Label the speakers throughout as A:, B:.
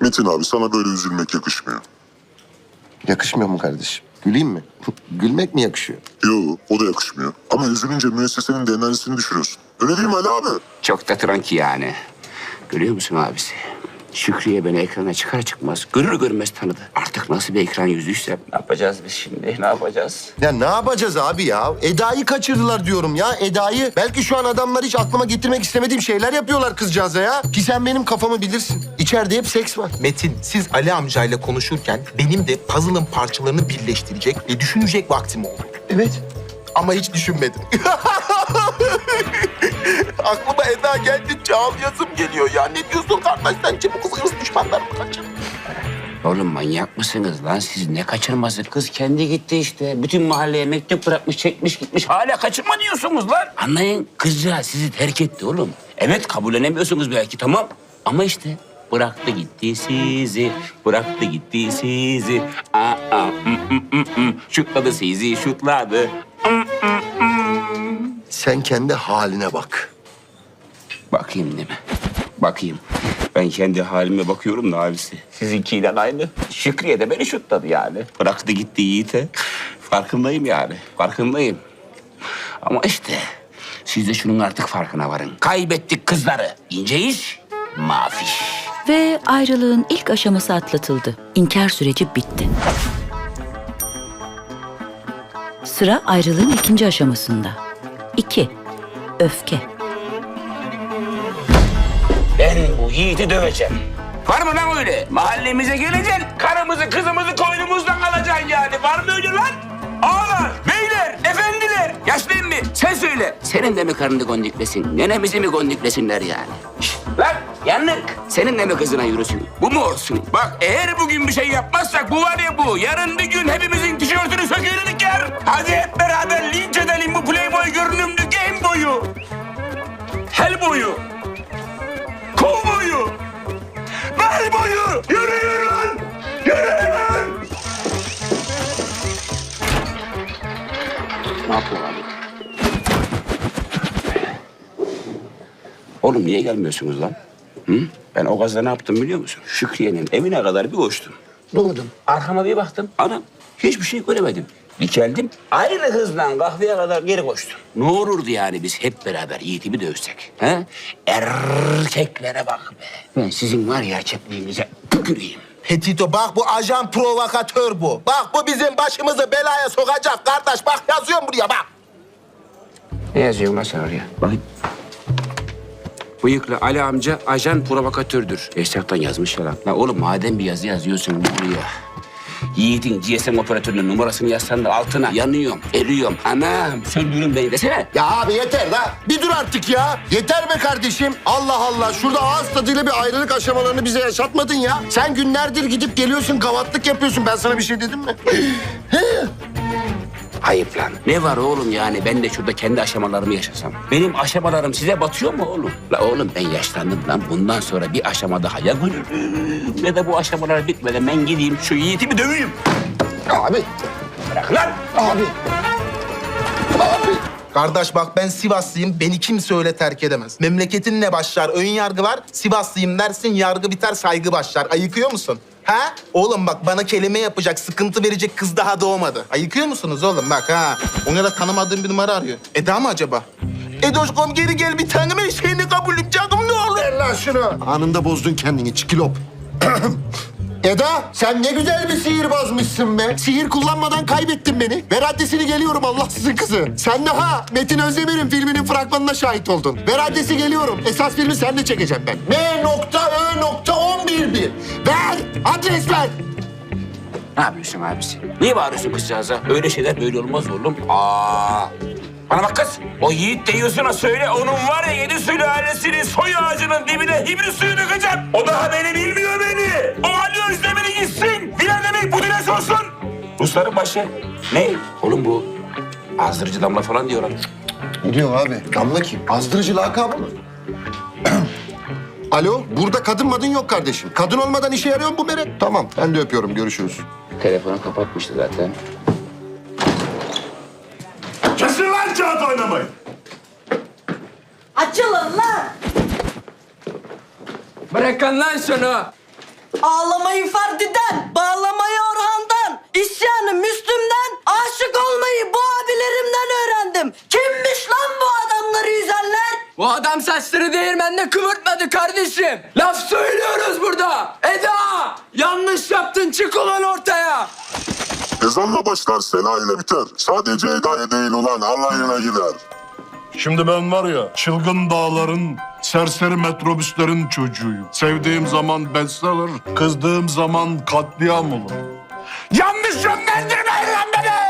A: Metin abi sana böyle üzülmek yakışmıyor.
B: Yakışmıyor mu kardeşim? Güleyim mi? Gülmek mi yakışıyor?
A: Yo, o da yakışmıyor. Ama üzülünce müessesenin de enerjisini düşürüyorsun. Öyle değil mi Ali abi?
C: Çok da tranki yani. Görüyor musun abisi? Şükriye beni ekrana çıkar çıkmaz görür görmez tanıdı. Artık nasıl bir ekran yüzüyse ne yapacağız biz şimdi? Ne yapacağız?
B: Ya ne yapacağız abi ya? Eda'yı kaçırdılar diyorum ya. Eda'yı belki şu an adamlar hiç aklıma getirmek istemediğim şeyler yapıyorlar kızcağıza ya. Ki sen benim kafamı bilirsin. İçeride hep seks var.
D: Metin, siz Ali amcayla konuşurken benim de puzzle'ın parçalarını birleştirecek ve düşünecek vaktim oldu.
B: Evet.
D: Ama hiç düşünmedim. Aklıma Eda geldikçe ağlayasım geliyor ya. Ne diyorsun kardeş? Sence bu kız hırs düşmanlar mı kaçır?
C: Oğlum manyak mısınız lan siz? Ne kaçırması? Kız kendi gitti işte. Bütün mahalleye mektup bırakmış, çekmiş gitmiş. Hala kaçırma diyorsunuz lan. Anlayın kızcağız sizi terk etti oğlum. Evet kabullenemiyorsunuz belki tamam. Ama işte bıraktı gitti sizi. Bıraktı gitti sizi. Şutladı sizi, şutladı.
B: Sen kendi haline bak.
C: Bakayım değil mi? Bakayım. Ben kendi halime bakıyorum da abisi. Sizinkiyle aynı. Şükriye de beni şutladı yani. Bıraktı gitti Yiğit'e. Farkındayım yani. Farkındayım. Ama işte siz de şunun artık farkına varın. Kaybettik kızları. İnce iş, mafiş.
E: Ve ayrılığın ilk aşaması atlatıldı. İnkar süreci bitti. Sıra ayrılığın ikinci aşamasında. 2. Öfke.
C: Ben bu Yiğit'i döveceğim. Var mı lan öyle? Mahallemize geleceksin, karımızı, kızımızı koynumuzdan alacaksın yani. Var mı öyle lan? Ağalar, beyler, efendiler. Yaşlı emmi, sen söyle. Senin de mi karını gondiklesin, nenemizi mi gondiklesinler yani? Şişt, lan yanlık. Senin de mi kızına yürüsün? Bu mu olsun? Bak eğer bugün bir şey yapmazsak bu var ya bu. Yarın bir gün hepimizin tişörtünü söküğünü diker. Hadi hep beraber linç edelim bu Playboy görünümlü game boyu. Hell boyu. Kol boyu. Bel boyu. Yürüyün lan. Yürüyün lan. Ne yapıyor abi? Oğlum niye gelmiyorsunuz lan? Hı? Ben o gazda ne yaptım biliyor musun? Şükriye'nin evine kadar bir koştum. Doğdum. Arkama bir baktım. Anam hiçbir şey göremedim. Bir geldim. Aynı hızla kahveye kadar geri koştum. Ne olurdu yani biz hep beraber Yiğit'i bir dövsek? He? Erkeklere bak be. Ben sizin var ya çöplüğünüze tüküreyim.
D: Petito bak bu ajan provokatör bu. Bak bu bizim başımızı belaya sokacak kardeş. Bak yazıyorum buraya bak.
C: Ne yazıyor lan sen oraya? Bakayım. Bıyıklı Ali amca ajan provokatördür. Esnaftan yazmış ya lan. La oğlum madem bir yazı yazıyorsun buraya. Yiğit'in GSM operatörünün numarasını yazsan da altına yanıyorum, eriyorum. Anam söndürün beni desene.
B: Ya abi yeter da. Bir dur artık ya. Yeter be kardeşim. Allah Allah. Şurada ağız tadıyla bir ayrılık aşamalarını bize yaşatmadın ya. Sen günlerdir gidip geliyorsun, gavatlık yapıyorsun. Ben sana bir şey dedim mi?
C: Ayıp lan. Ne var oğlum yani ben de şurada kendi aşamalarımı yaşasam. Benim aşamalarım size batıyor mu oğlum? La oğlum ben yaşlandım lan. Bundan sonra bir aşama daha ya görürüm. Ne de bu aşamalar bitmeden ben gideyim şu Yiğit'i bir döveyim.
B: Abi.
C: Bırak lan.
B: Abi. Abi.
D: Kardeş bak ben Sivaslıyım. Beni kimse öyle terk edemez. Memleketinle başlar ön yargı var. Sivaslıyım dersin yargı biter saygı başlar. Ayıkıyor musun? Ha? Oğlum bak bana kelime yapacak, sıkıntı verecek kız daha doğmadı. Ayıkıyor musunuz oğlum bak ha? Ona da tanımadığım bir numara arıyor. Eda mı acaba? Edoşkom geri gel bir tanem eşeğini kabulüm canım ne olur.
B: Ver lan şunu. Anında bozdun kendini çikilop. Eda sen ne güzel bir sihirbazmışsın be. Sihir kullanmadan kaybettin beni. Ver adresini geliyorum Allahsızın kızı. Sen de ha Metin Özdemir'in filminin fragmanına şahit oldun. Ver adresi geliyorum. Esas filmi sen de çekeceğim ben. M.Ö.111. Ver adres ver.
C: Ne yapıyorsun abisi? Niye bağırıyorsun kızcağıza? Öyle şeyler böyle olmaz oğlum. Bana bak kız. O Yiğit deyiyorsun söyle. Onun var ya 7 sülalesinin soy ağacının dibine hibri suyu dökeceğim. O daha beni bilmiyor beni. O Ali Özdemir'i gitsin. Bilen demek bu dile sorsun. Rusların başı. Ne? Oğlum bu azdırıcı damla falan diyorlar.
B: Ne diyorsun abi? Damla kim? Azdırıcı lakabı mı? Alo, burada kadın madın yok kardeşim. Kadın olmadan işe yarıyor mu bu beret? Tamam, ben de öpüyorum. Görüşürüz.
C: Telefonu kapatmıştı zaten.
A: Kesin lan kağıt oynamayı.
F: Açılın lan!
G: Bırakın lan şunu.
F: Ağlamayı Ferdi'den, bağlamayı Orhan'dan, isyanı Müslüm'den, aşık olmayı bu abilerimden öğrendim. Kimmiş lan bu adamları yüzenler?
G: Bu adam saçları değirmende kıvırtmadı kardeşim. Laf söylüyoruz burada. Eda! Yanlış yaptın, çık ulan ortaya.
A: Ezanla başlar, sela ile biter. Sadece Eda'ya değil ulan Allah'ına gider.
H: Şimdi ben var ya çılgın dağların, serseri metrobüslerin çocuğuyum. Sevdiğim zaman bestseller, kızdığım zaman katliam olur.
C: Yanlış yönlendirmeyin lan beni!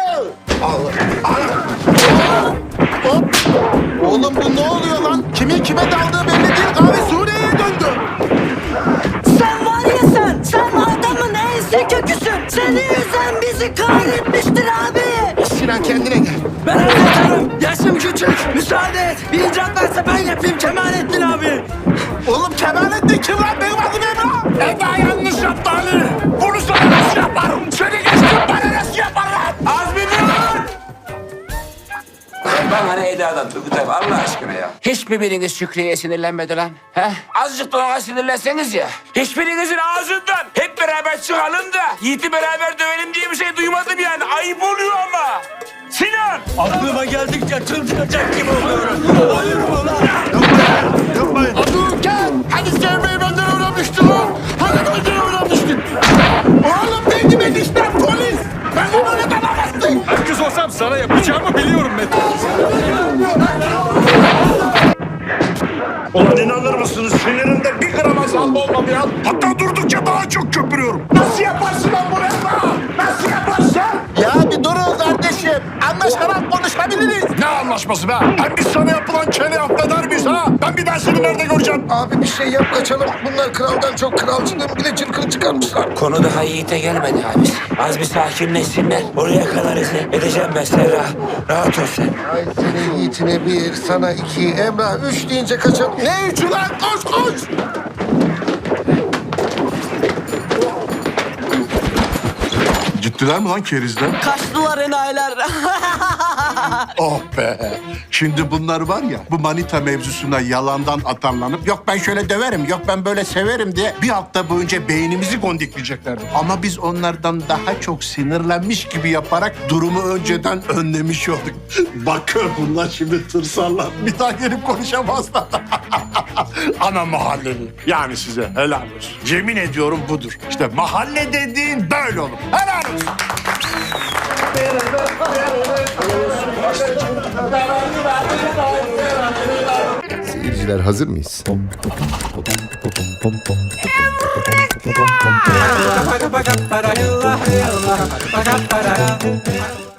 D: Oğlum bu ne oluyor lan? Kimin kime daldığı belli değil. Kahve Suriye'ye döndü.
F: Sen var ya sen adamın ensi köküsün. Seni yüzen bizi kahretmiştir abi.
D: Sinan kendine gel.
F: Ben anlatarım. Yaşım küçük. Müsaade et. Bir icraat varsa ben yapayım Kemalettin abi.
D: Oğlum Kemalettin kim lan? Benim adım Emrah.
C: Eda yanlış yaptı Ali. Bunu sana nasıl yaparım? Seni geçtim bana nasıl yaparlar? Azmi dur! Bana ne Eda'dan Turgut abi Allah aşkına ya. Hiçbir biriniz Şükrü'ye sinirlenmedi lan. He? Azıcık da ona sinirlenseniz ya. Hiçbirinizin ağzından hep beraber çıkalım da Yiğit'i beraber dövelim diye bir şey duymadım yani. Ayıp oluyor ama. Sinan!
F: Aklıma geldikçe çıldıracak gibi oluyorum. Olur mu lan?
H: Yapmayın.
B: Durken hani sevmeyi benden öğrenmiştin lan. Hani benden öğrenmiştin. Oğlum benim eniştem polis. Ben bunu öğretemezsin.
H: Herkes olsam sana yapacağımı biliyorum Metin. Ulan inanır mısınız sinirimde bir gram azalma olmadı ya. Hatta durdukça daha çok köpürüyorum.
B: Nasıl yaparsın lan bunu Emrah? Nasıl yaparsın?
D: Ya bir durun kardeşim. Anlaşarak konuşabiliriz.
H: Ne anlaşması be? Hem biz sana yapılan kele affeder miyiz ha? Ben bir daha seni nerede göreceğim?
B: Abi bir şey yap kaçalım. Bunlar kraldan çok kralcılığın bile çırkını çıkarmışlar.
C: Konu daha Yiğit'e gelmedi abi. Az bir sakinleşsinler. Oraya kadar edeceğim ben Serra. Rahat ol sen.
B: Ay senin yiğitine bir, sana iki, Emrah üç deyince kaçalım.
D: Ne üçü lan? Koş koş.
H: Gittiler mi lan kerizler?
F: Kaçtılar enayiler.
H: Oh be! Şimdi bunlar var ya, bu manita mevzusuna yalandan atarlanıp yok ben şöyle döverim, yok ben böyle severim diye bir hafta boyunca beynimizi gondikleyeceklerdi. Ama biz onlardan daha çok sinirlenmiş gibi yaparak durumu önceden önlemiş olduk. Bakın bunlar şimdi tırsarlar, bir daha gelip konuşamazlar. Ana mahalleli, yani size helal olsun. Yemin ediyorum budur. İşte mahalle dediğin böyle olur. Helal olsun.
B: Seyirciler hazır mıyız?